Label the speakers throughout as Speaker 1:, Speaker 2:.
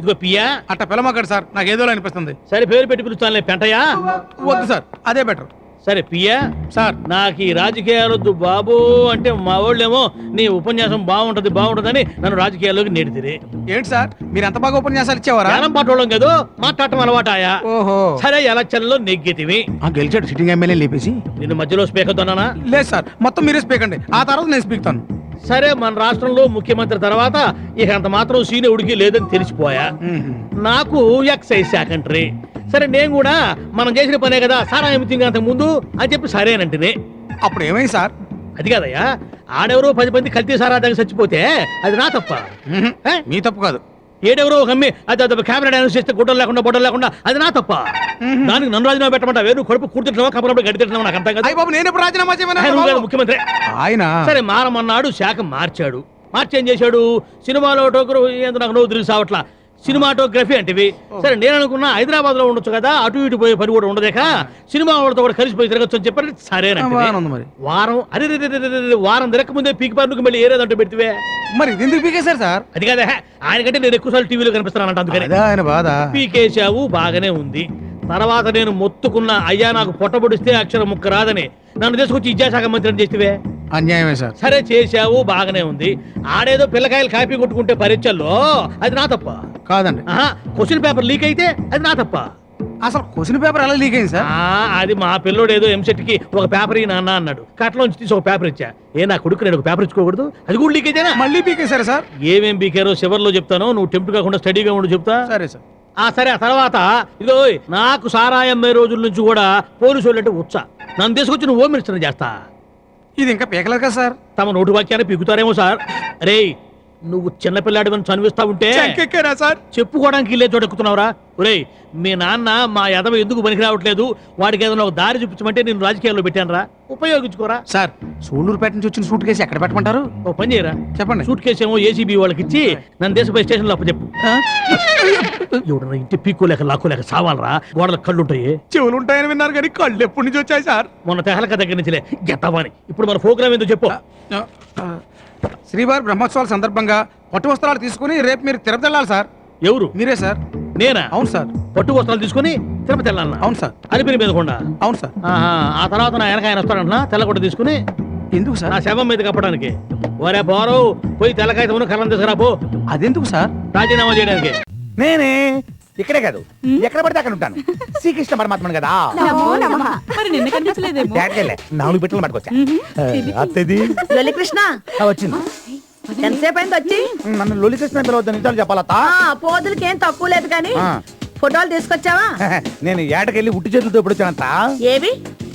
Speaker 1: ఇదిగో పియ్యా.
Speaker 2: అట్ట పిలమక్కడ సార్, నాకు ఏదో అనిపిస్తుంది.
Speaker 1: సరే పేరు పెట్టి పిలుస్తానులే, పెంటయ్యా.
Speaker 2: వద్దు సార్, అదే బెటర్.
Speaker 1: సరే పియ్యా
Speaker 2: సార్.
Speaker 1: నాకు ఈ రాజకీయాలొద్దు బాబు అంటే మా వాళ్ళేమో నీ ఉపన్యాసం బాగుంటదని నన్ను రాజకీయాల్లోకి నెడితిరి.
Speaker 2: ఏంటి సార్ మీరు ఎంత బాగా ఉపన్యాసాలు ఇచ్చేవారా?
Speaker 1: జ్ఞానం పాటోళ్ళం కదా, మాట్లాడటం అలవాటాయా.
Speaker 2: ఓహో.
Speaker 1: సరే ఎలక్షన్లో నెగ్గితివి.
Speaker 2: గెలిచాడు సిట్టింగ్ ఎమ్మెల్యే లేపేసి.
Speaker 1: నిన్ను మధ్యలో స్పీకర్ తోనా?
Speaker 2: లేదు సార్, మొత్తం మీరే స్పీక్ అండి, ఆ తర్వాత నేను స్పీక్తాను.
Speaker 1: సరే మన రాష్ట్రంలో ముఖ్యమంత్రి తర్వాత ఇక అంత మాత్రం సీనియరుడికి లేదని తెలిసిపోయా. నాకు ఎక్సైజ్ సెకండరీ. సరే నేను కూడా మనం చేసిన పనే కదా సారా ఏమిటింగ్ అంత ముందు అని చెప్పి సరేనంటేనే.
Speaker 2: అప్పుడు ఏమైంది సార్?
Speaker 1: అది కాదయ్యా, ఆడెవరో 10 మంది కల్తీ సారా దగ్గర చచ్చిపోతే అది నా తప్ప.
Speaker 2: మీ తప్పు కాదు.
Speaker 1: ఏడెవరో ఒక అమ్మి అది కెమెరా అనౌన్స్ చేస్తే గుడ్డలు లేకుండా బొడ్డలు లేకుండా అది నా తప్ప. దానికి నన్ను రాజీనామా పెట్టమంటా? వేరు కడుపు కూర్చుంటున్నావా కప్పుడప్పుడు గడి తింటున్నావా? నాకు అర్థం కదా.
Speaker 2: బాబు నేను ఎప్పుడు రాజీనామా చేయమన్నా?
Speaker 1: ముఖ్యమంత్రి
Speaker 2: ఆయన
Speaker 1: సరే మారమన్నాడు, శాఖ మార్చాడు. మార్చి ఏం చేశాడు? సినిమాలో నాకు నవ్వు తిరిగి సావట్లా సినిమాటోగ్రఫీ అంటేవి. సరే నేను అనుకున్నా హైదరాబాద్ లో ఉండొచ్చు కదా, అటు ఇటు పోయే పని కూడా ఉండదేక సినిమా వాళ్ళతో కూడా కలిసిపోయి తిరగచ్చు అని చెప్పారు. సరేనండి. వారం వారం తిరగక ముందే పీకి పార్నుకు మళ్ళీ ఏరేదంటూ పెడితే
Speaker 2: మరి ఎందుకు పీకేశారు సార్?
Speaker 1: అది కాదా, ఆయనకంటే నేను ఎక్కువసార్లు టీవీలో కనిపిస్తున్నానంట, అందుకని
Speaker 2: ఆయన బాధ.
Speaker 1: పీకేశావు బాగానే ఉంది. తర్వాత నేను మొత్తుకున్న అయ్యా నాకు పొట్టబొడిస్తే అక్షరం ముక్క రాదని నన్ను తీసుకొచ్చి విద్యాశాఖ మంత్రిని చేస్తే
Speaker 2: అన్యాయమే సార్.
Speaker 1: సరే చేశావు బాగానే ఉంది. ఆడేదో పిల్లకాయలు కాపీ కొట్టుకుంటే పరీక్షల్లో అది నా తప్ప
Speaker 2: కాదండి.
Speaker 1: క్వశ్చన్ పేపర్ లీక్ అయితే అది నా తప్ప.
Speaker 2: అసలు క్వశ్చన్ పేపర్ ఎలా లీక్ అయింది సార్?
Speaker 1: అది మా పిల్లోడు ఏదో ఎంసెట్ కి ఒక పేపర్ ఈ నాన్న అన్నాడు, కట్లోంచి తీసి ఒక పేపర్ ఇచ్చా. నా కొడుకు నేను ఒక పేపర్ ఇచ్చుకోకూడదు? అది కూడా లీక్ అయితేనా?
Speaker 2: మళ్ళీ పీకేశారు సార్.
Speaker 1: ఏమేం పీకారో చివర్లో చెప్తాను, నువ్వు టెంప్ట్ కాకుండా స్టడీగా ఉండు చెప్తా.
Speaker 2: సరే సార్.
Speaker 1: సరే ఆ తర్వాత ఇదో నాకు సారాయమ్మే రోజుల నుంచి కూడా పోలీసు వాళ్ళు అంటే ఉత్సా నన్ను తీసుకొచ్చి నువ్వు హోమ్ మినిస్టర్ చేస్తా.
Speaker 2: ఇది ఇంకా పీకలేదు కదా సార్?
Speaker 1: తమ నోటి వాక్యాన్ని పీకుతారేమో సార్. అరే నువ్వు చిన్నపిల్లాడి అని చనివిస్తా ఉంటే
Speaker 2: సార్
Speaker 1: చెప్పుకోవడానికి ఇల్లే చోటెక్కుతున్నావురా. ఒరేయ్ మీ నాన్న మా యదవ ఎందుకు పనికి రావట్లేదు, వాడికి ఏదైనా ఒక దారి చూపించమంటే నేను రాజకీయాల్లో పెట్టానురా, ఉపయోగించుకోరా.
Speaker 2: సార్ సూళ్ళూరుపేట నుంచి వచ్చిన సూట్ కేసు ఎక్కడ పెట్టమంటారు?
Speaker 1: ఓ పని చేయరా,
Speaker 2: చెప్పండి.
Speaker 1: సూట్ కేసు ఏమో ఏసీబీ వాళ్ళకి ఇచ్చి నన్ను దేశపై స్టేషన్ లో చెప్పు. ఎవడన్నా ఇంటి పీక్కోలేక లాక్కోలేక సావాలరా, గోడల కళ్ళు ఉంటాయి.
Speaker 2: చెవులు ఉంటాయని విన్నారు కానీ కళ్ళు ఎప్పటి నుంచి వచ్చాయి సార్?
Speaker 1: మొన్న తెహలక దగ్గర నుంచిలే గెత్తవాని. ఇప్పుడు మన ప్రోగ్రామ్ ఏందో చెప్పు.
Speaker 2: శ్రీవారి బ్రహ్మోత్సవాల సందర్భంగా పట్టు వస్త్రాలు తీసుకుని రేపు మీరు తిరుపతి వెళ్ళాలి సార్.
Speaker 1: ఎవరు?
Speaker 2: మీరే సార్.
Speaker 1: నేనా?
Speaker 2: అవును సార్.
Speaker 1: పట్టు వస్త్రాలు తీసుకుని తిరుపతి వెళ్ళాలన్నా?
Speaker 2: అవును సార్.
Speaker 1: అలిపిరి మీద కొండ?
Speaker 2: అవును సార్.
Speaker 1: ఆ తర్వాత నా వెనక ఆయన వస్తాడంటున్నా తెల్లకొట్ట తీసుకుని.
Speaker 2: ఎందుకు సార్?
Speaker 1: నా శవం మీద కప్పడానికి. ఒరే పోరు పోయి తెల్లకాయతమును కళ్ళం తీసుకురాపో.
Speaker 2: అదెందుకు సార్?
Speaker 1: రాజీనామా చేయడానికి.
Speaker 3: నేనే ఇక్కడే కాదు ఎక్కడ పడితే అక్కడ ఉంటాను. శ్రీకృష్ణ పరమాత్మను కదా.
Speaker 4: మరి నిన్న కనిపించలేదేమో.
Speaker 3: 4 బిట్టలు పట్టుకొచ్చా.
Speaker 4: కృష్ణ
Speaker 3: వచ్చింది.
Speaker 4: ఎంతసేపు అయింది వచ్చి?
Speaker 3: నన్ను లొలి కృష్ణ పిలవద్దు, నిజాలు చెప్పాలతా.
Speaker 4: పోదులకి ఏం తక్కువ లేదు కానీ ఫోటోలు తీసుకొచ్చావా?
Speaker 3: నేను ఏటకెళ్ళి ఉట్టి చేతులతో ఎప్పుడు వచ్చానంత.
Speaker 4: ఏవి?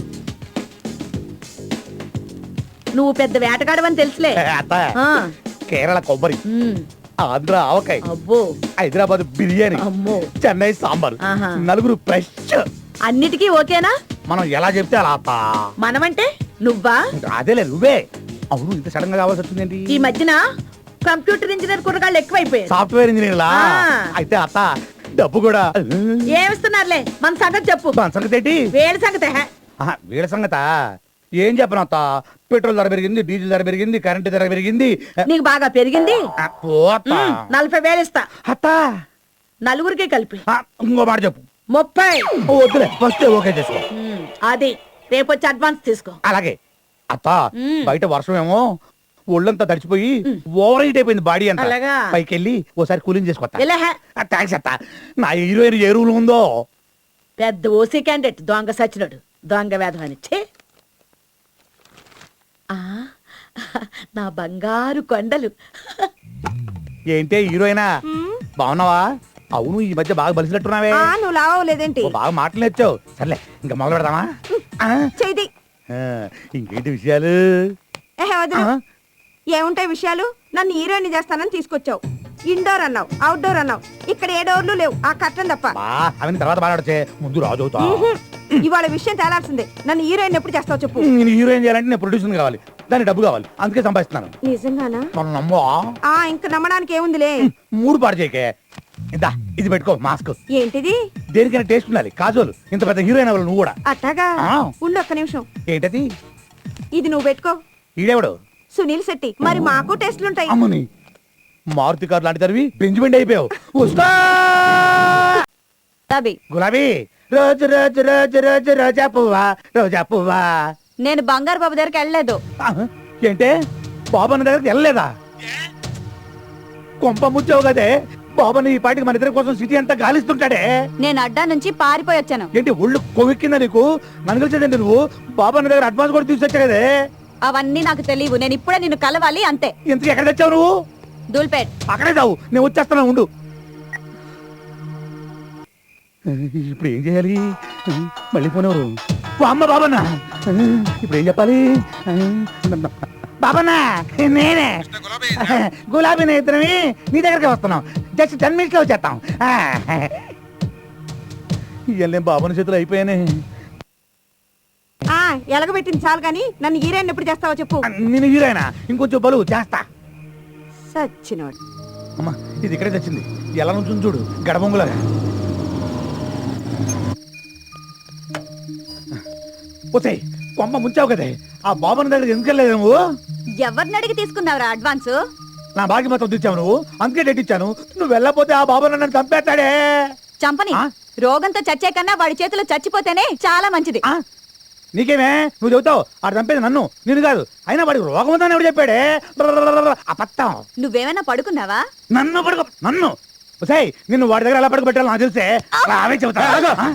Speaker 4: నువ్వు పెద్ద వేటగాడవని తెలుసులే.
Speaker 3: అత్త కేరళ కొబ్బరి, ఆంధ్ర ఆవకాయ,
Speaker 4: అబ్బో
Speaker 3: హైదరాబాద్ బిర్యానీ,
Speaker 4: అమ్మో
Speaker 3: చెన్నై సాంబార్,
Speaker 4: ఆహా.
Speaker 3: 4 ఫ్రెష్.
Speaker 4: అన్నిటికీ ఓకేనా?
Speaker 3: మనం ఎలా చెప్తే అలా అత్త.
Speaker 4: మనమంటే నువ్వా?
Speaker 3: అదేలే నువ్వే. అవును ఇంత సడన్ గా కావాల్సి వచ్చిందేంటి?
Speaker 4: ఈ మధ్యన కంప్యూటర్ ఇంజనీర్ కుర్రగాళ్ళు ఎక్కువైపోయారు.
Speaker 3: సాఫ్ట్వేర్ ఇంజనీర్ లా. అయితే అత్త డబ్బు కూడా
Speaker 4: ఏమిస్తున్నారులే, మన సంగతి చెప్పు.
Speaker 3: మన సంగతి ఏంటి?
Speaker 4: వేడి సంగతి.
Speaker 3: వీళ్ళ సంగత ఏం చెప్పను అత్త. పెట్రోల్ ధర పెరిగింది, డీజిల్ ధర పెరిగింది, కరెంటు ధర పెరిగింది.
Speaker 4: నీకు బాగా పెరిగింది. 40,000 ఇస్తా
Speaker 3: అత్త.
Speaker 4: నలుగురికి కలిపి.
Speaker 3: ఇంకో మాట చెప్పు.
Speaker 4: 30.
Speaker 3: వద్దులే, ఫస్ట్ ఓకే చేసుకో.
Speaker 4: అది రేపు వచ్చి అడ్వాన్స్ తీసుకో.
Speaker 3: అలాగే అత్త. బయట వర్షం ఏమో ఒళ్ళంతా తడిచిపోయి ఓవర్ హీట్ అయిపోయింది బాడీ అంతా.
Speaker 4: అలాగా?
Speaker 3: పైకి వెళ్ళి ఓసారి కూలింగ్ చేసుకోవచ్చా?
Speaker 4: ఇలా
Speaker 3: థ్యాంక్స్ అత్త. నా హీరోయిన్ ఏ రూల్ ఉందో.
Speaker 4: పెద్ద ఓసీ క్యాండిడేట్ దొంగ సచ్చినోడు, దొంగ వేధం అని. నా బంగారు కొండలు.
Speaker 3: ఏంటే హీరోయినా, బాగున్నావా? అవును ఈ మధ్య బాగా బలిసినట్టున్నావే.
Speaker 4: నువ్వు లావలేదేంటి?
Speaker 3: బాగా మాటలు నేర్చావు. సర్లే ఇంకా మొదలు పెడదామా?
Speaker 4: చేయి.
Speaker 3: ఇంకేంటి విషయాలు?
Speaker 4: ఏముంటాయి విషయాలు? నన్ను హీరోయిన్ చేస్తానని తీసుకొచ్చావు. ఇండోర్ అన్నావు, అవుట్డోర్ అన్నావు. ఇక్కడ ఏ డోర్లు లేవు, ఆ కట్టం తప్ప.
Speaker 3: అవన్నీ తర్వాత మాట్లాడితే ముందు రాజు అవుతా.
Speaker 4: ఇవాళ విషయం తేలాల్సిందే. నన్ను హీరోయిన్ ఎప్పుడు చేస్తావు చెప్పు.
Speaker 3: నేను హీరోయిన్ చేయాలంటే నేను ప్రొడ్యూసర్ కావాలి, దానికి డబ్బు కావాలి, అందుకే సంపాదిస్తున్నాను.
Speaker 4: నిజంగానా?
Speaker 3: నమ్మో.
Speaker 4: ఇంకా నమ్మడానికి ఏముందిలే.
Speaker 3: 3 పాడు చేయకే. ఇదా ఇది పెట్టుకో మాస్క్.
Speaker 4: ఏంటిది?
Speaker 3: దేనికైనా టేస్ట్ ఉండాలి. కాజోలు ఇంత పెద్ద హీరోయిన్ అవ్వాలి నువ్వు కూడా.
Speaker 4: అట్టాగా? ఉండు ఒక్క నిమిషం.
Speaker 3: ఏంటది?
Speaker 4: ఇది నువ్వు పెట్టుకో.
Speaker 3: ఈడెవడు?
Speaker 4: సునీల్ శెట్టి. మరి మాకు టెస్ట్లుంటాయి.
Speaker 3: అమ్మని మారుతి కారు లాంటి తరివి బెంజిమెంట్ అయిపోయావు. ఉస్తా
Speaker 4: గులాబీ
Speaker 3: గులాబీ రోజు రోజు రోజు రోజు రోజా పువ్వా రోజా పువ్వా.
Speaker 4: నేను బంగారు బాబు దగ్గరికి వెళ్ళలేదు.
Speaker 3: ఏంటే బాబన్న దగ్గరికి వెళ్ళలేదా? కొంప ముచ్చావు కదే. బాబన్న ఈ పాటికి మన ఇద్దరి కోసం సిటీ అంతా గాలిస్తుంటాడే.
Speaker 4: నేను అడ్డా నుంచి పారిపోయి వచ్చాను.
Speaker 3: ఏంటి ఒళ్ళు కొవ్వెక్కిందా నీకు? నన్ను కలిసేదండి నువ్వు. బాబన్న దగ్గర అడ్వాన్స్ కూడా తీసుకొచ్చా కదే.
Speaker 4: అవన్నీ నాకు తెలియవు. నేను ఇప్పుడే నిన్ను కలవాలి అంతే.
Speaker 3: ఇంతకు ఎక్కడ తెచ్చావు నువ్వు?
Speaker 4: దూల్పేట్.
Speaker 3: అక్కడే చావు, నేను వచ్చేస్తాను ఉండు. ఇప్పుడు ఏం చేయాలి? మళ్ళీ పోనేవారు. ఓ అమ్మ బాబన్న, ఇప్పుడు ఏం చెప్పాలి? బాబన్న నేనే గులాబీ నేత్రమి నీ దగ్గరికి వస్తున్నాం. జస్ట్ 10 minutes లో వచ్చేస్తాం. ఇవన్నీ బాబన్న చేతులు అయిపోయానే.
Speaker 4: ఎలగబెట్టింది చాలు కానీ నన్ను హీరోయిన్ ఎప్పుడు చేస్తావో చెప్పు.
Speaker 3: నేను హీరోయినా? ఇంకొంచెం బలు చేస్తా.
Speaker 4: సచ్చినోడు.
Speaker 3: అమ్మా ఇది ఇక్కడే తెచ్చింది. ఎలా నుంచి చూడు గడబొంగులాగా. పోతే కొమ్మ ముంచావు కదే. ఆ బాబన్న దగ్గర ఎందుకు వెళ్ళలేదు నువ్వు?
Speaker 4: ఎవరిని అడిగి తీసుకున్నావురా అడ్వాన్స్?
Speaker 3: నా బాకి మొత్తం తెచ్చావు నువ్వు, అందుకే డేట్ ఇచ్చాను. నువ్వు వెళ్ళపోతే ఆ బాబన్న నన్ను చంపేస్తాడే.
Speaker 4: చంపని. రోగంతో చచ్చే కన్నా వాడి చేతిలో చచ్చిపోతేనే చాలా మంచిది.
Speaker 3: నీకేమే నువ్వు చెబుతావు? ఆడు చంపేది నన్ను, నేను కాదు. అయినా వాడికి రోగం ఉందని ఎవడు చెప్పాడే? అబద్ధం.
Speaker 4: నువ్వేమైనా పడుకున్నావా?
Speaker 3: నన్ను పడుకో. నన్ను నిన్ను వాడి దగ్గర ఎలా పడుకోబెట్టాలో నాకు తెలిసే. అవే చెబుతా.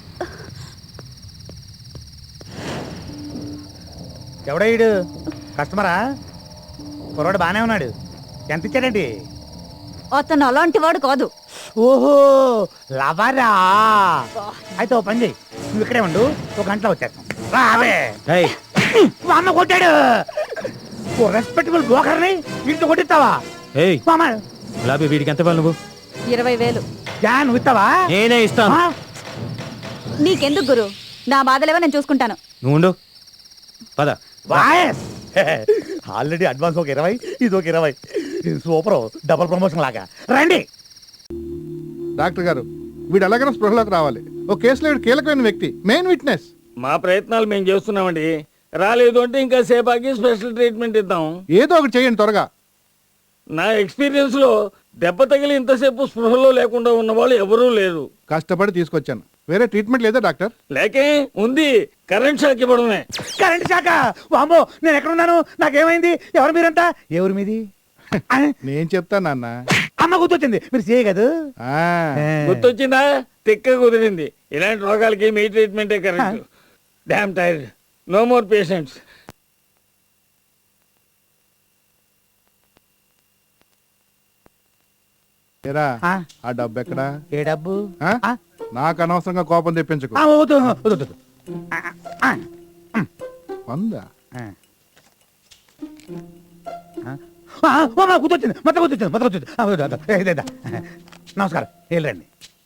Speaker 3: ఎవడయ్యాడు? కస్టమరా? కుర్రాడు బానే ఉన్నాడు. ఎంత ఇచ్చాడండి?
Speaker 4: అతను అలాంటి వాడు కాదు.
Speaker 3: ఓహో లవరా. అయితే ఓ పని చెయ్యి, నువ్వు ఇక్కడే ఉండు, ఒక గంటలో వచ్చేస్తాం. రావే. అమ్మ కొట్టాడు. ఓ రెస్పెక్టబుల్ బ్రోకర్ని వీటితో కొట్టిస్తావా?
Speaker 5: గులాబీ వీడికి ఎంత నువ్వు?
Speaker 4: 20,000.
Speaker 3: నువ్వు ఇస్తావా?
Speaker 5: నేనే ఇస్తాను.
Speaker 4: నీకెందుకు గురు? నా బాధలేవో నేను చూసుకుంటాను.
Speaker 5: నువ్వు ఉండు, పద.
Speaker 3: ఆల్రెడీ అడ్వాన్స్ ఒక 20, ఇది ఒక 20. సూపర్, డబుల్ ప్రమోషన్ లాగా. రండి
Speaker 6: డాక్టర్ గారు, వీడు ఎలాగైనా స్పృహలోకి రావాలి. ఓ కేసులో వీడు కీలకమైన వ్యక్తి, మెయిన్ విట్నెస్.
Speaker 7: మా ప్రయత్నాలు మేము చేస్తున్నామండి. రాలేదు అంటే ఇంకా సేపాకి స్పెషల్ ట్రీట్మెంట్ ఇద్దాం.
Speaker 6: ఏదో ఒకటి చేయండి త్వరగా.
Speaker 7: నా ఎక్స్పీరియన్స్ లో దెబ్బ తగిలి ఇంతసేపు స్పృహలో లేకుండా ఉన్న వాళ్ళు ఎవరూ లేరు.
Speaker 6: కష్టపడి తీసుకొచ్చాను. వేరే ట్రీట్మెంట్ లేదా డాక్టర్?
Speaker 7: లేకే ఉంది, కరెంట్ షాక్ ఇవ్వడమే.
Speaker 3: కరెంట్ శాఖ? వామ్మో, నేను ఎక్కడున్నాను? నాకేమైంది? ఎవరు మీరంతా? ఎవరు మీది?
Speaker 6: నేను చెప్తా నాన్న.
Speaker 3: అమ్మ గుర్తొచ్చింది, మీరు చేయ కదా.
Speaker 7: గుర్తొచ్చిందా? తిక్క కుదిరింది. ఇలాంటి రోగాలకి మీ ట్రీట్మెంటే correct. Damn tired, no more patients.
Speaker 6: ఆ డబ్బు ఎక్కడా?
Speaker 3: ఏ డబ్బు?
Speaker 6: నాకు అనవసరంగా కోపం తెప్పించకు. వందా?
Speaker 3: గుర్తొచ్చింది, మొత్తం గుర్తొచ్చింది. నమస్కారం, వెళ్ళండి.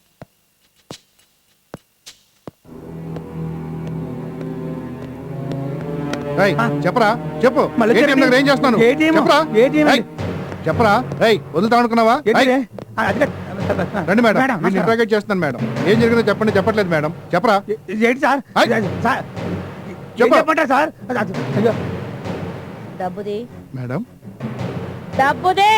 Speaker 6: చెప్పరా, చెప్పు. ఏం చేస్తున్నాను చెప్పరా, చెప్పరా. వదులుతా అనుకున్నావా? రండి మేడం, ఇంట్రాగేట్ చేస్తున్నాను మేడం. ఏం జరిగిందో చెప్పండి. చెప్పట్లేదు మేడం, చెప్పరా.
Speaker 3: ఏంటి సార్? చెప్పండి సార్.
Speaker 4: డబ్బుది.
Speaker 6: మేడం
Speaker 4: డబ్బుది.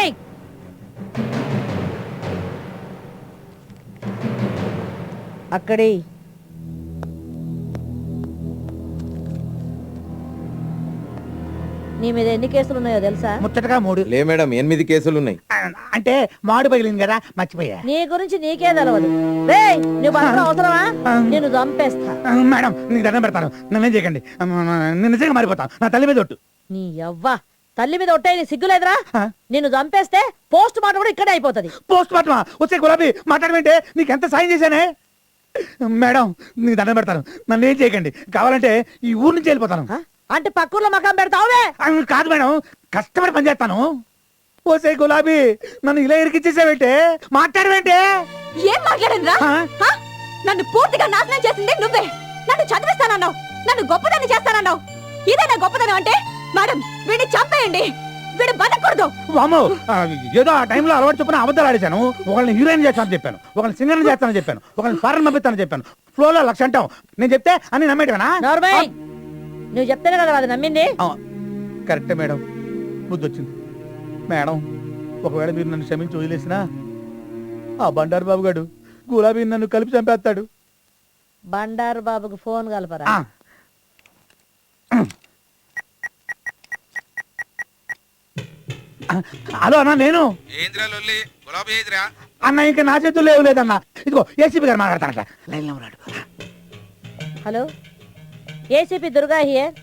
Speaker 4: అక్కడే నీ మీద ఎన్ని కేసులు ఉన్నాయో తెలుసా?
Speaker 3: ముచ్చటగా 3.
Speaker 5: లే మేడం, 8 కేసులు ఉన్నాయి.
Speaker 3: అంటే మాడు పగిలింది కదా, మర్చిపోయా.
Speaker 8: నీ గురించి నీకే తెలవదు. నువ్వు అవసరమా? నేను చంపేస్తా.
Speaker 3: మేడం నీకు దండం పెడతాను, నన్నేం చేయకండి. నేను నిజంగా మారిపోతాను. నా తల్లి మీద ఒట్టు.
Speaker 8: నీ యవ్వ తల్లి మీద ఒట్టే నీ సిగ్గులేదురా? నిన్ను చంపేస్తే పోస్ట్ మార్టం కూడా ఇక్కడే అయిపోతుంది.
Speaker 3: పోస్ట్ మార్టమా? వచ్చే గులాబీ మాట్లాడమంటే నీకు ఎంత సాయం చేశానే. మేడం నీకు దండం పెడతాను, నన్ను ఏం చేయకండి. కావాలంటే ఈ ఊరు నుంచి వెళ్ళిపోతాను.
Speaker 8: అంటే పక్కూర్లో మకాం పెడతావువే?
Speaker 3: కాదు మేడం, కష్టపడి పనిచేస్తాను. ఓసే గులాబీ, నన్ను ఇలా ఇరికిచ్చేసావేంటే? మాట్లాడవేంటే?
Speaker 4: ఏం మాట్లాడనురా? నన్ను పూర్తిగా నాశనం చేసింది నువ్వే. నన్ను చదివిస్తానన్నావు, నన్ను గొప్పదాన్ని చేస్తానన్నావు. ఇదేనా గొప్పదనం అంటే? మేడం వీడిని చంపేయండి, వీడు బతకూడదు.
Speaker 3: వామ్మో, ఏదో ఆ టైంలో అలవాటు చొప్పున అబద్ధాలు ఆడేశాను. ఒకళ్ళని హీరోయిన్ చేస్తానని చెప్పాను, ఒకళ్ళని సింగర్ చేస్తానని చెప్పాను, ఒకళ్ళని ఫారెన్ పంపిస్తానని చెప్పాను. ఫ్లోలో 1,00,000 అంటాం. నేను చెప్తే అన్ని నమ్మేటవేనా?
Speaker 8: నువ్వు చెప్తేనే కదా అది నమ్మింది.
Speaker 3: కరెక్టే మేడం, బుద్ధి వచ్చింది. మేడం ఒకవేళ మీరు నన్ను క్షమించి వదిలేసినా ఆ బండారు బాబు గారు గులాబీ నన్ను కలిపి చంపేస్తాడు.
Speaker 8: బండారు బాబుకు ఫోన్ కలపరా.
Speaker 3: ఆ. హలో అన్న, నేను అన్న ఇంకా నా చేతుల్లో లేవు లేదన్నా. ఇదిగో ఏసీపీ గారు మాట్లాడతానట. లైన్లో ఉన్నాడు.
Speaker 8: Hello ACP Durga here.